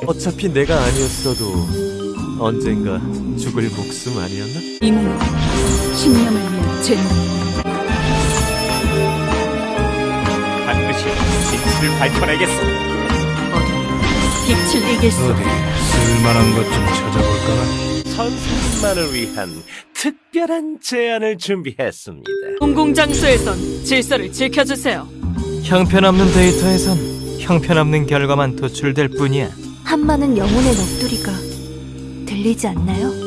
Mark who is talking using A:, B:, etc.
A: 어차피 내가 아니었어도 언젠가 죽을 목숨 아니었나?
B: 이 몸은 신념을 위한 죄물.
C: 반드시 진실을 밝혀내겠어.
B: 어둠 빛을 이길 수
D: 어디 쓸만한 것 좀 찾아볼까?
C: 선생님만을 위한 특별한 제안을 준비했습니다.
B: 공공장소에선 질서를 지켜주세요.
E: 형편없는 데이터에선 형편없는 결과만 도출될 뿐이야.
F: 한많은 영혼의 넋두리가 들리지 않나요?